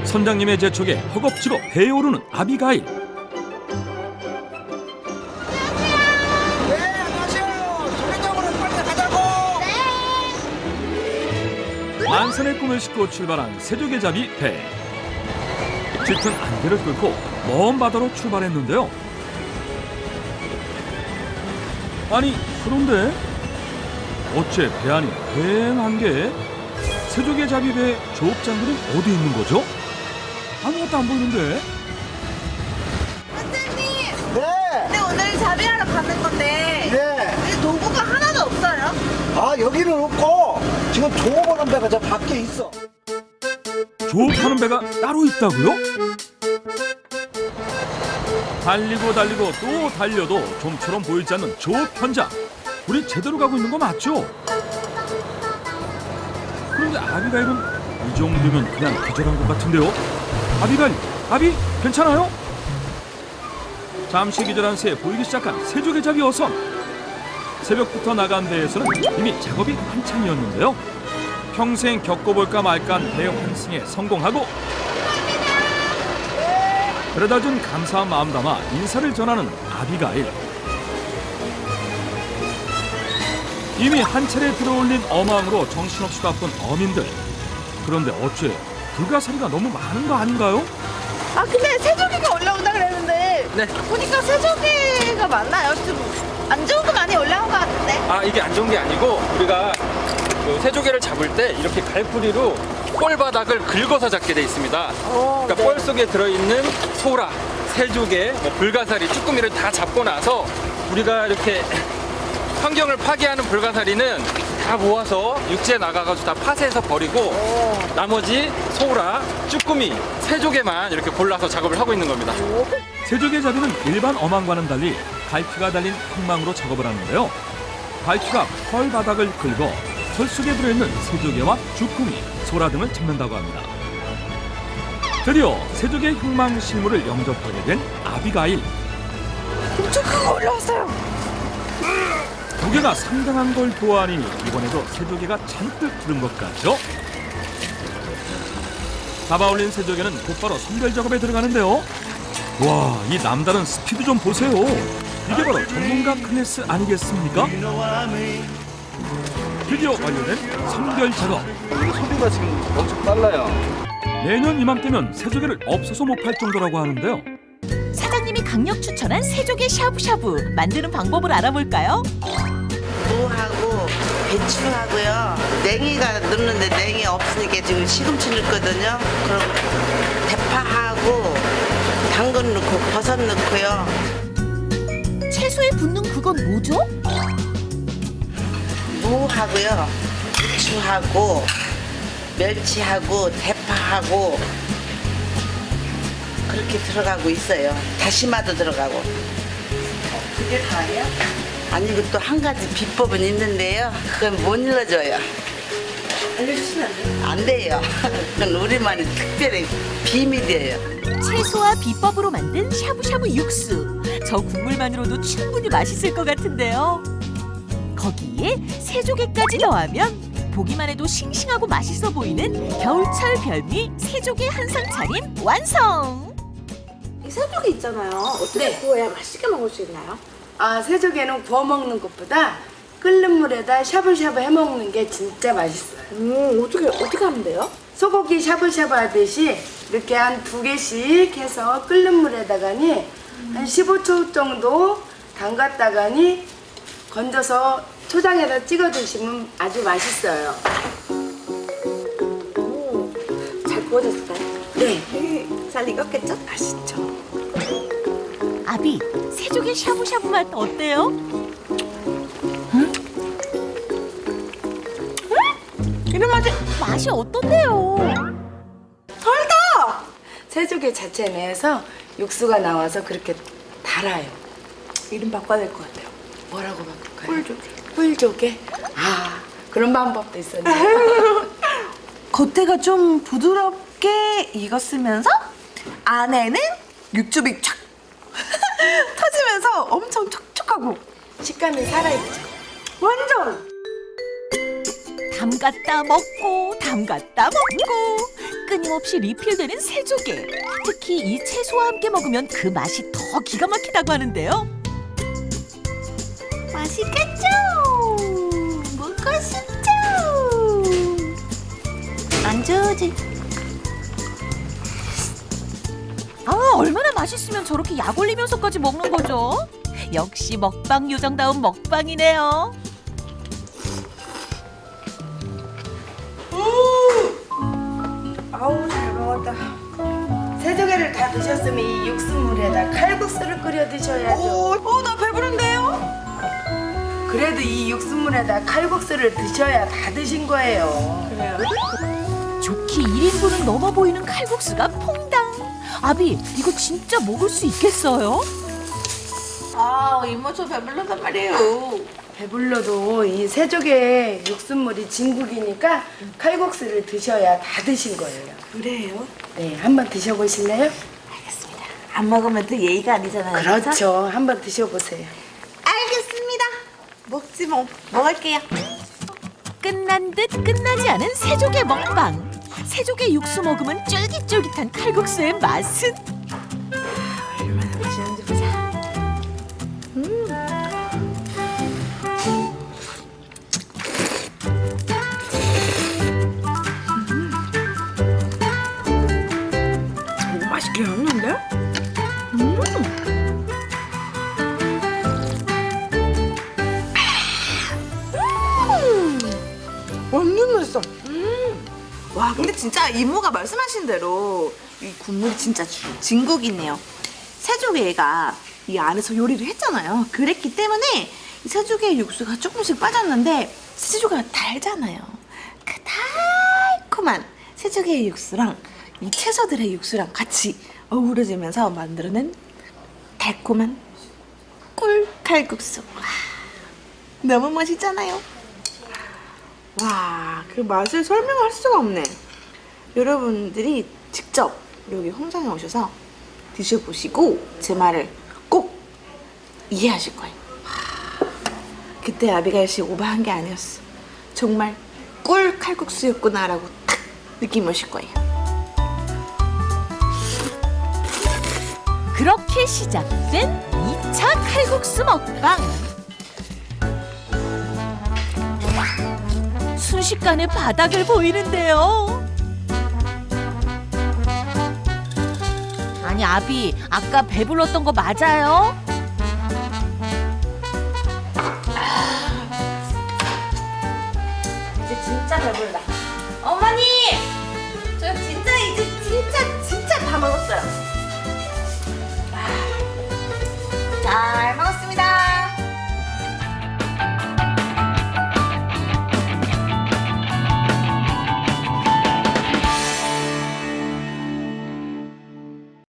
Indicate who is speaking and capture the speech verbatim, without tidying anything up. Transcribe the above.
Speaker 1: 선장님의 재촉에 허겁지겁 배에 오르는 아비가일.
Speaker 2: 네, 안녕하세요. 조개장으로 빨리 가자고.
Speaker 1: 만선의 꿈을 싣고 출발한 세조개잡이 배. 짙은 안개를 뚫고 먼 바다로 출발했는데요. 아니, 그런데 어째 배 안이 휑한 게 세조개잡이 배 조업장들은 어디 있는 거죠? 아무것도 안 보이는데.
Speaker 3: 선생님!
Speaker 2: 네.
Speaker 3: 근데 오늘 자비하러 가는 건데
Speaker 2: 네.
Speaker 3: 왜 도구가 하나도 없어요?
Speaker 2: 아, 여기는 없고 지금 조업하는 배가 저 밖에 있어.
Speaker 1: 조업하는 배가 따로 있다고요? 달리고 달리고 또 달려도 좀처럼 보이지 않는 조업 현장. 우리 제대로 가고 있는 거 맞죠? 그런데 아비가일은 이 정도면 그냥 기절한 것 같은데요? 아비가일, 아비 괜찮아요? 잠시 기절한 새에 보이기 시작한 세조개잡이 어선. 새벽부터 나간 배에서는 이미 작업이 한창이었는데요. 평생 겪어볼까 말까한 배 환승에 성공하고 그러다 준 감사한 마음 담아 인사를 전하는 아비가일. 이미 한 차례 들어올린 어망으로 정신없이 바쁜 어민들. 그런데 어째 불가사리가 너무 많은 거 아닌가요?
Speaker 3: 아 근데 새조개가 올라온다 그랬는데
Speaker 4: 네.
Speaker 3: 보니까 새조개가 많나요? 좀 안 좋은 거 많이 올라온 것 같은데.
Speaker 4: 아 이게 안 좋은 게 아니고 우리가 그 새조개를 잡을 때 이렇게 갈고리로 볼 바닥을 긁어서 잡게 돼 있습니다.
Speaker 3: 오,
Speaker 4: 그러니까
Speaker 3: 네.
Speaker 4: 볼 속에 들어있는 소라, 새조개, 뭐 불가사리, 쭈꾸미를 다 잡고 나서 우리가 이렇게 환경을 파괴하는 불가사리는 다 모아서 육지에 나가가지고 다 파쇄해서 버리고
Speaker 3: 오.
Speaker 4: 나머지 소라, 쭈꾸미, 새조개만 이렇게 골라서 작업을 하고 있는 겁니다.
Speaker 1: 세조개잡이는 일반 어망과는 달리 갈피가 달린 흙망으로 작업을 하는데요. 갈피가 펄 바닥을 긁어 펄 속에 들어있는 새조개와 주꾸미, 소라 등을 잡는다고 합니다. 드디어 새조개 흙망 실물을 영접하게 된 아비가일.
Speaker 3: 엄청 큰 거 올라왔어요.
Speaker 1: 무게가 상당한 걸 보아하니 이번에도 새조개가 잔뜩 들은 것 같죠? 잡아올린 새조개는 곧바로 선별 작업에 들어가는데요. 와, 이 남다른 스피드 좀 보세요. 이게 바로 전문가 클래스 아니겠습니까? 드디어 완료된 선별 작업.
Speaker 2: 소리가 지금 엄청 빨라요.
Speaker 1: 내년 이맘때면 새조개를 없어서 못 팔 정도라고 하는데요.
Speaker 5: 사장님이 강력 추천한 새조개 샤브샤브 만드는 방법을 알아볼까요?
Speaker 6: 무하고 배추하고요. 냉이가 넣는데 냉이 없으니까 지금 시금치 넣거든요. 그럼 대파하고 당근 넣고 버섯 넣고요.
Speaker 5: 채소에 붙는 그건 뭐죠?
Speaker 6: 무하고요. 배추하고 멸치하고 대파하고 그렇게 들어가고 있어요. 다시마도 들어가고. 그게 다예요? 아니 이거 또 한 가지 비법은 있는데요. 그건 못 일러줘요. 알려주시면 안 돼요? 안 돼요. 그건 우리만의 특별히 비밀이에요.
Speaker 5: 채소와 비법으로 만든 샤브샤브 육수. 저 국물만으로도 충분히 맛있을 것 같은데요. 거기에 새조개까지 더하면 보기만 해도 싱싱하고 맛있어 보이는 겨울철 별미 새조개 한상 차림 완성!
Speaker 7: 이 새조개 있잖아요. 어떻게 구워야 맛있게 먹을 수 있나요?
Speaker 8: 아, 새조개는 구워 먹는 것보다 끓는 물에다 샤브샤브 해 먹는 게 진짜 맛있어요.
Speaker 7: 음, 어떻게 어떻게 하면 돼요?
Speaker 8: 소고기 샤브샤브 하듯이 이렇게 한 두 개씩 해서 끓는 물에다가니 한 십오 초 정도 담갔다가니 건져서 초장에다 찍어 드시면 아주 맛있어요.
Speaker 7: 오, 잘 구워졌을까요?
Speaker 8: 네.
Speaker 7: 잘 익었겠죠?
Speaker 8: 맛있죠.
Speaker 5: 아비, 새조개 샤브샤브 맛 어때요?
Speaker 8: 이런 맛이
Speaker 5: 맛이 어떤데요?
Speaker 8: 덜다! 새조개 자체 내에서 육수가 나와서 그렇게 달아요. 이름 바꿔야 될 것 같아요. 뭐라고 바꿀까요? 꿀조개. 꿀조개? 아, 그런 방법도 있었네요.
Speaker 3: 겉에가 좀 부드럽게 익었으면서 안에는 육즙이 촥 터지면서 엄청 촉촉하고
Speaker 8: 식감이 살아있죠.
Speaker 3: 완전
Speaker 5: 담갔다 먹고 담갔다 먹고 끊임없이 리필되는 새조개. 특히 이 채소와 함께 먹으면 그 맛이 더 기가 막히다고 하는데요.
Speaker 3: 맛있겠죠? 먹고 싶죠? 안 좋지?
Speaker 5: 아, 얼마나 맛있으면 저렇게 약 올리면서까지 먹는 거죠? 역시 먹방 요정다운 먹방이네요.
Speaker 8: 아우 잘 먹었다. 새조개를 다 드셨으면 이 육수물에다 칼국수를 끓여 드셔야죠.
Speaker 3: 어, 나 배부른데요?
Speaker 8: 그래도 이 육수물에다 칼국수를 드셔야 다 드신 거예요.
Speaker 5: 좋게 일 인분은 넘어 보이는 칼국수가 퐁당. 아비, 이거 진짜 먹을 수 있겠어요?
Speaker 3: 아, 이모 저 배불러단 말이에요.
Speaker 8: 배불러도 이 새조개 육수물이 진국이니까 칼국수를 드셔야 다 드신 거예요.
Speaker 3: 그래요?
Speaker 8: 네, 한번 드셔보실래요?
Speaker 3: 알겠습니다. 안 먹으면 또 예의가 아니잖아요.
Speaker 8: 그렇죠. 한번 드셔보세요.
Speaker 3: 알겠습니다. 먹지 뭐. 먹을게요.
Speaker 5: 끝난 듯 끝나지 않은 새조개 먹방. 새조개 육수 먹으면 쫄깃쫄깃한 칼국수의 맛은?
Speaker 3: 얼마나 맛있는지 보자. 너무 맛있게 했는데? 완전 맛있어. 음. 와, 근데 진짜 이모가 말씀하신 대로 이 국물이 진짜 주- 진국이네요. 새조개가 이 안에서 요리를 했잖아요. 그랬기 때문에 이 새조개 육수가 조금씩 빠졌는데 새조개가 달잖아요. 그 달콤한 새조개 육수랑 이 채소들의 육수랑 같이 어우러지면서 만들어낸 달콤한 꿀칼국수. 와, 너무 맛있잖아요. 와, 그 맛을 설명할 수가 없네. 여러분들이 직접 여기 홍장에 오셔서 드셔보시고 제 말을 꼭 이해하실 거예요. 와, 그때 아비가일 씨 오버한 게 아니었어. 정말 꿀 칼국수였구나라고 딱 느낌이 오실 거예요.
Speaker 5: 그렇게 시작된 이 차 칼국수 먹방. 순식간에 바닥을 보이는데요. 아니 아비, 아까 배불렀던 거 맞아요?
Speaker 3: 이제 진짜 배불다. 어머니!